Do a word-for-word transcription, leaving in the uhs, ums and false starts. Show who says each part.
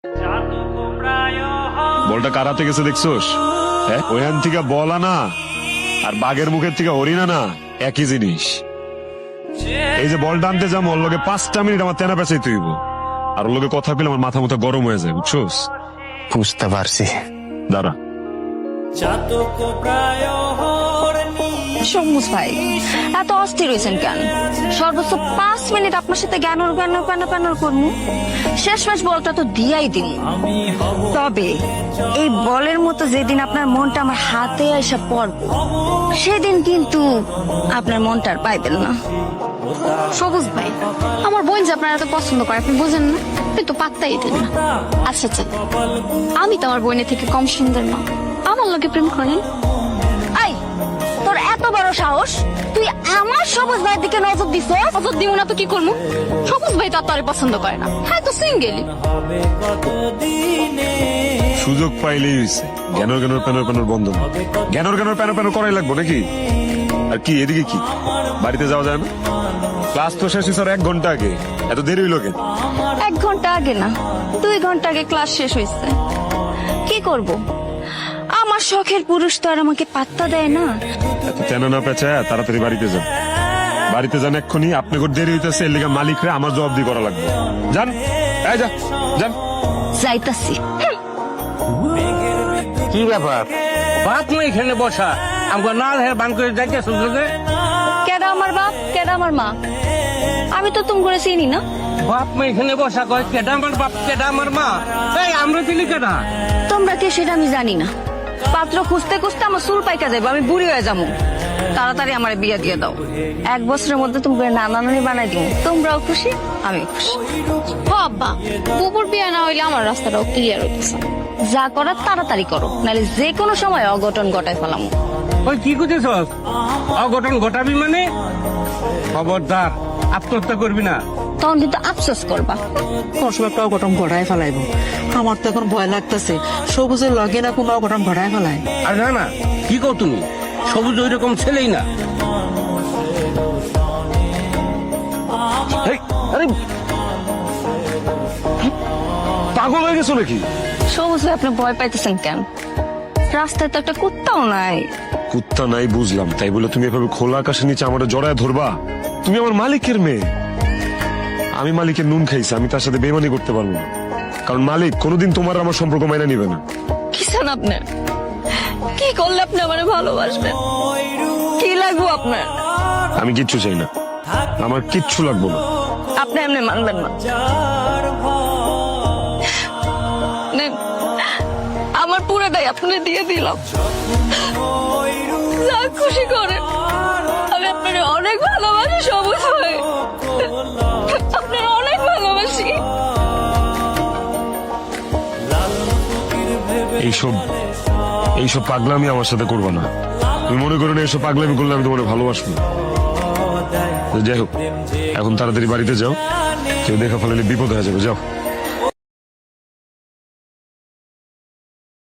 Speaker 1: বলটা কারাতে গেছে দেখছোস? হ্যাঁ, ওইখান থেকে বল আনা আর বাঘের মুখের থেকে হরিণ আনা একই জিনিস। এই যে বলটা আনতে যাবো ওর লোকে পাঁচটা মিনিট আমার তেনা পেঁচাই তুইব, আর ওর লোকে কথা পেলে আমার মাথা মুথা গরম হয়ে যায়, বুঝছোস?
Speaker 2: বুঝতে পারছি।
Speaker 1: দাঁড়া।
Speaker 3: সমুজ ভাই এত অস্থির হয়েছেন কেন? সর্বোচ্চ পাঁচ মিনিট আপনার সাথে জ্ঞানর জ্ঞানর প্যানর প্যানর করবো, শেষ ম্যাচ বলটা তো দিয়াই দিন। তবে এই বলের মতো যেদিন আপনার মনটা আমার হাতে এসে পড়বো, সেদিন কিন্তু আপনার মনটা আর পাইবেন না।
Speaker 4: সবুজ ভাই, আমার বোন যে আপনার এত পছন্দ করে আপনি বোঝেন না, আপনি তো পাত্তাই দেন না। আচ্ছা আচ্ছা, আমি তো আমার বোনের থেকে কম সুন্দর না, আমার লোকে প্রেম করেন।
Speaker 3: আই, তোর এত বড় সাহস, তুই আমার সবুজ ভাইয়ের দিকে নজর দিছ?
Speaker 4: নজর দিব না তো কি করবো? সবুজ ভাই তো আর তোরে পছন্দ করে না, হ্যাঁ তো সিঙ্গেলি।
Speaker 1: সুযোগ পাইলেই হয়েছে জ্ঞানর জ্ঞানর প্যানর প্যানর বন্ধ না। জ্ঞানর জ্ঞানর প্যানর প্যানর করাই লাগবো নাকি? আর কি এদিকে কি বাড়িতে যাওয়া যায় না? ক্লাস তো শেষ হয়েছে আর এক ঘন্টা আগে, এত দেরি হইলো কেন?
Speaker 3: এক ঘন্টা আগে না, দুই ঘন্টা আগে ক্লাস শেষ হয়েছে। কি করব, আমার শখের পুরুষ তো আর আমাকে পাত্তা দেয় না।
Speaker 1: এত তেনা না পেঁচায় তাড়াতাড়ি বাড়িতে যান। বাড়িতে যান এক্ষুনি, আপনি করে দেরি হইতেছে, এর লেগে মালিকরে আমার জবাব দিয়ে করা লাগবে। যান, এই যা, যান।
Speaker 3: যাইতাছি।
Speaker 2: কি ব্যাপার?
Speaker 5: বাপ না এখানে বসা, আমাকে না হের বান করে যাইতে সুযোগে।
Speaker 3: কেডা আমার বাপ, কেডা আমার মা, আমি তো তুমি করে চিনি না।
Speaker 5: বাপ মা এখানে বসা কয় কেডা আমার বাপ কেডা আমার মা, এই আমরা চিনি কেডা?
Speaker 3: তোমরা কে সেটা আমি জানি না। পাত্র খুঁজতে খুঁজতে আমার চুল পাইকা যাবো, আমি বুড়ি হয়ে যাবো। তাড়াতাড়ি আমার বিয়ে দিয়ে দাও, এক বছরের মধ্যে তুমি নানা নানি বানাই দিও, তোমরাও খুশি আমি খুশি।
Speaker 4: ও আব্বা, বুবুর বিয়ে না হইলে আমার রাস্তাটাও ক্লিয়ার হইতেছে।
Speaker 3: যা করার তাড়াতাড়ি করো, নাহলে যে কোনো সময় অঘটন ঘটায় ফেলাম।
Speaker 5: ওই কি করতেছ? অঘটন ঘটাবি মানে? খবরদার আত্মহত্যা করবি না।
Speaker 3: তখন কিন্তু আফসোস করবা।
Speaker 6: কোন সময় একটা অঘটন ঘটায় ফেলাইব। আমার তো এখন ভয় লাগতেছে সবুজের লগে না কোনো অঘটন ঘটায় ফেলায়।
Speaker 5: আর না না, কি কও তুমি? সবুজ ওই রকম ছেলেই না।
Speaker 1: এই, আরে পাগল হয়ে গেছো নাকি?
Speaker 3: সবুজ ভাই, আপনি ভয় পাইতেছেন কেন? রাস্তায় তো একটা কুত্তাও নাই।
Speaker 1: কুত্তা নাই বুঝলাম, তাই বলে তুমি এভাবে খোলা আকাশের নিচে আমার জড়ায় ধরবা? তুমি আমার মালিকের মেয়ে, আমি মালিকের নুন খাইছি, আমি তার সাথে বেমানি করতে পারবো না। কারণ মালিক কোনোদিন তোমার আমার সম্পর্ক মাইনা নিবে না।
Speaker 3: কি চান আপনি? কি করলে আপনি আমার ভালোবাসবেন? কি লাগবো আপনার?
Speaker 1: আমি কিচ্ছু চাই না, আমার কিচ্ছু লাগবো না।
Speaker 3: আপনি এমনি মানবেন না। নেন, আমার পুরোটাই আপনি দিয়ে দিলাম, যা খুশি করেন। আমি আপনার অনেক ভালোবাসি সবুজ ভাই, আপনার অনেক ভালোবাসি।
Speaker 1: এইসব এইসব পাগলামি আমার সাথে করবো না। তুমি মনে করো না এইসব পাগলামি করলে আমি তোমার ভালোবাসবো? যাই হোক, এখন তাড়াতাড়ি বাড়িতে যাও, কেউ দেখা ফেলে বিপদ হয়ে যাবে। যাও।